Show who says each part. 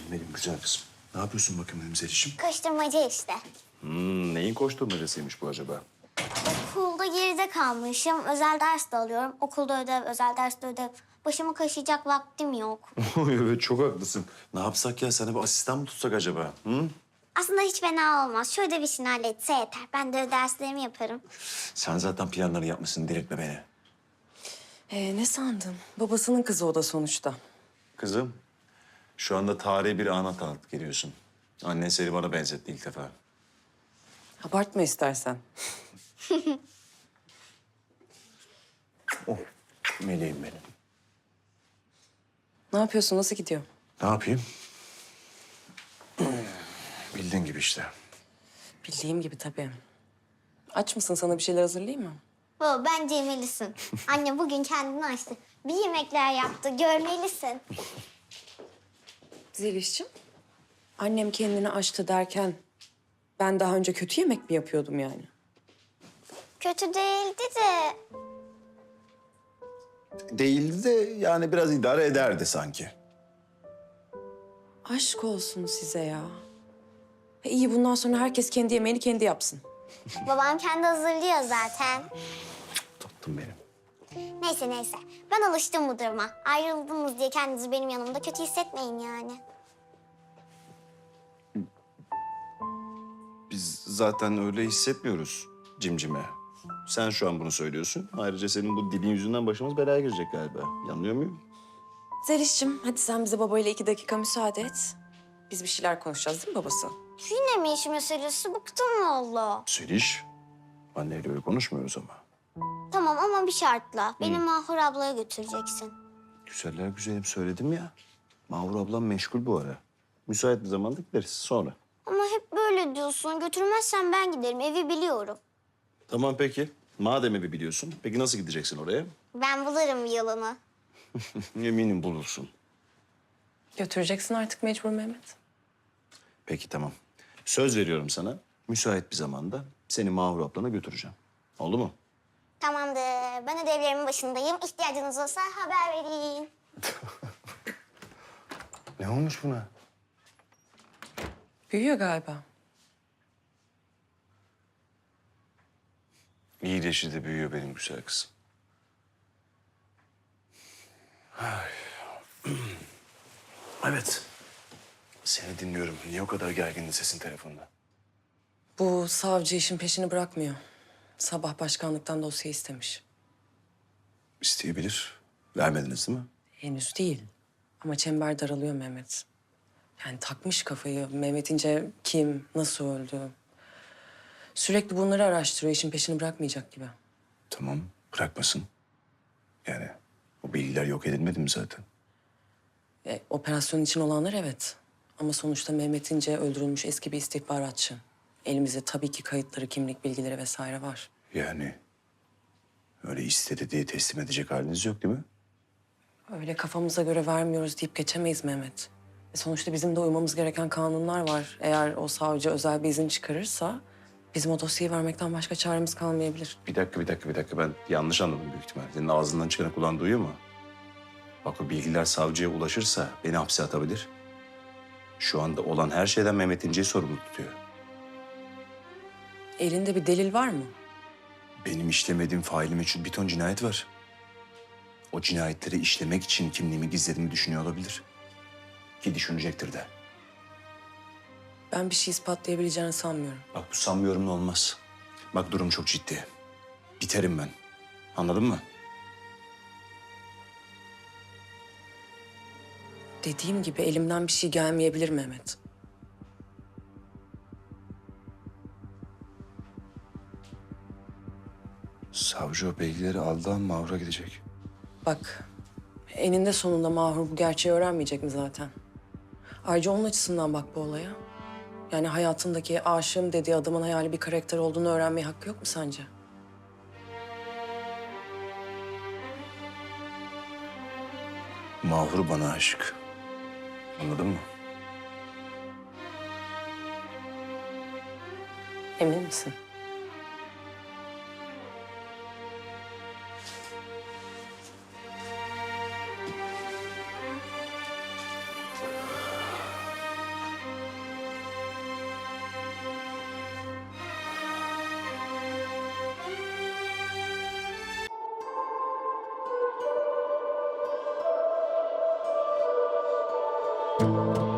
Speaker 1: Benim güzel kızım. Ne yapıyorsun bakayım benim Zeliş'im?
Speaker 2: Koşturmaca işte.
Speaker 1: Neyin koşturmacasıymış bu acaba?
Speaker 2: Okulda geride kalmışım. Özel ders de alıyorum. Okulda ödev, özel derste ödev. Başımı kaşıyacak vaktim yok.
Speaker 1: Evet çok haklısın. Ne yapsak ya? Sana bir asistan mı tutsak acaba? Hı?
Speaker 2: Aslında hiç fena olmaz. Şu ödev işini halletse yeter. Ben de derslerimi yaparım.
Speaker 1: Sen zaten planları yapmışsın. Delirtme beni.
Speaker 3: Ne sandın? Babasının kızı o da sonuçta.
Speaker 1: Kızım, şu anda tarihi bir ana tanık geliyorsun. Annen seni bana benzetti ilk defa.
Speaker 3: Abartma istersen.
Speaker 1: Oh, meleğim benim.
Speaker 3: Ne yapıyorsun? Nasıl gidiyor?
Speaker 1: Ne yapayım? Bildiğin gibi işte.
Speaker 3: Bildiğim gibi tabii. Aç mısın? Sana bir şeyler hazırlayayım mı?
Speaker 2: Baba bence yemelisin. Anne bugün kendini açtı. Bir yemekler yaptı. Görmelisin.
Speaker 3: Zeliş'ciğim, annem kendini açtı derken ben daha önce kötü yemek mi yapıyordum yani?
Speaker 2: Kötü değildi de.
Speaker 1: Değildi de yani biraz idare ederdi sanki.
Speaker 3: Aşk olsun size ya. İyi bundan sonra herkes kendi yemeğini kendi yapsın.
Speaker 2: Babam kendi hazırlıyor zaten.
Speaker 1: Tatlım benim.
Speaker 2: Neyse. Ben alıştım bu duruma. Ayrıldınız diye kendinizi benim yanımda kötü hissetmeyin yani.
Speaker 1: Biz zaten öyle hissetmiyoruz cimcime. Sen şu an bunu söylüyorsun. Ayrıca senin bu dilin yüzünden başımız belaya girecek galiba. Yanılıyor muyum?
Speaker 3: Zeliş'ciğim, hadi sen bize babayla 2 dakika müsaade et. Biz bir şeyler konuşacağız değil mi babası?
Speaker 2: Yine mi iş meselesi? Bıktım valla.
Speaker 1: Seliş, anneyle öyle konuşmuyoruz ama.
Speaker 2: Tamam ama bir şartla. Beni Mahur ablaya götüreceksin.
Speaker 1: Güzeller güzelim söyledim ya. Mahur ablam meşgul bu ara. Müsait bir zamanda gideriz sonra.
Speaker 2: Ama hep böyle diyorsun. Götürmezsen ben giderim. Evi biliyorum.
Speaker 1: Tamam peki. Madem evi biliyorsun. Peki nasıl gideceksin oraya?
Speaker 2: Ben bulurum bir yolunu.
Speaker 1: Eminim bulursun.
Speaker 3: Götüreceksin artık mecbur Mehmet.
Speaker 1: Peki tamam. Söz veriyorum sana. Müsait bir zamanda seni Mahur ablana götüreceğim. Oldu mu?
Speaker 2: Tamamdır. Ben ödevlerimin başındayım. İhtiyacınız olsa haber vereyim.
Speaker 1: Ne olmuş buna?
Speaker 3: Büyüyor galiba.
Speaker 1: İyileşi de büyüyor benim güzel kızım. Ay. Evet. Seni dinliyorum. Niye o kadar gergindin sesin telefonda?
Speaker 3: Bu savcı işin peşini bırakmıyor. Sabah başkanlıktan dosya istemiş.
Speaker 1: İsteyebilir. Vermediniz değil mi?
Speaker 3: Henüz değil. Ama çember daralıyor Mehmet. Yani takmış kafayı. Mehmet İnce kim, nasıl öldü? Sürekli bunları araştırıyor. İşin peşini bırakmayacak gibi.
Speaker 1: Tamam. Bırakmasın. Yani o bilgiler yok edilmedi mi zaten?
Speaker 3: Operasyon için olanlar evet. Ama sonuçta Mehmet İnce öldürülmüş eski bir istihbaratçı. Elimizde tabii ki kayıtları, kimlik bilgileri vesaire var.
Speaker 1: Yani öyle istedi diye teslim edecek haliniz yok değil mi?
Speaker 3: Öyle kafamıza göre vermiyoruz deyip geçemeyiz Mehmet. Sonuçta bizim de uymamız gereken kanunlar var. Eğer o savcı özel bir izin çıkarırsa bizim o dosyayı vermekten başka çaremiz kalmayabilir.
Speaker 1: Bir dakika. Ben yanlış anladım büyük ihtimal. Senin ağzından çıkanı kulağın duyuyor mu? Bak o bilgiler savcıya ulaşırsa beni hapse atabilir. Şu anda olan her şeyden Mehmet İnce'yi sorumlu tutuyor.
Speaker 3: Elinde bir delil var mı?
Speaker 1: Benim işlemediğim faili meçhul bir ton cinayet var. O cinayetleri işlemek için kimliğimi gizlediğimi düşünüyor olabilir. Ki düşünecektir de.
Speaker 3: Ben bir şey ispatlayabileceğini sanmıyorum.
Speaker 1: Bak bu sanmıyorum olmaz. Bak durum çok ciddi. Biterim ben. Anladın mı?
Speaker 3: Dediğim gibi elimden bir şey gelmeyebilir Mehmet.
Speaker 1: Savcı o bilgileri aldan Mahur'a gidecek.
Speaker 3: Bak, eninde sonunda Mahur bu gerçeği öğrenmeyecek mi zaten? Ayrıca onun açısından bak bu olaya. Yani hayatındaki aşığım dediği adamın hayali bir karakter olduğunu öğrenmeye hakkı yok mu sence?
Speaker 1: Mahur bana aşık. Anladın mı?
Speaker 3: Emin misin? Mahur.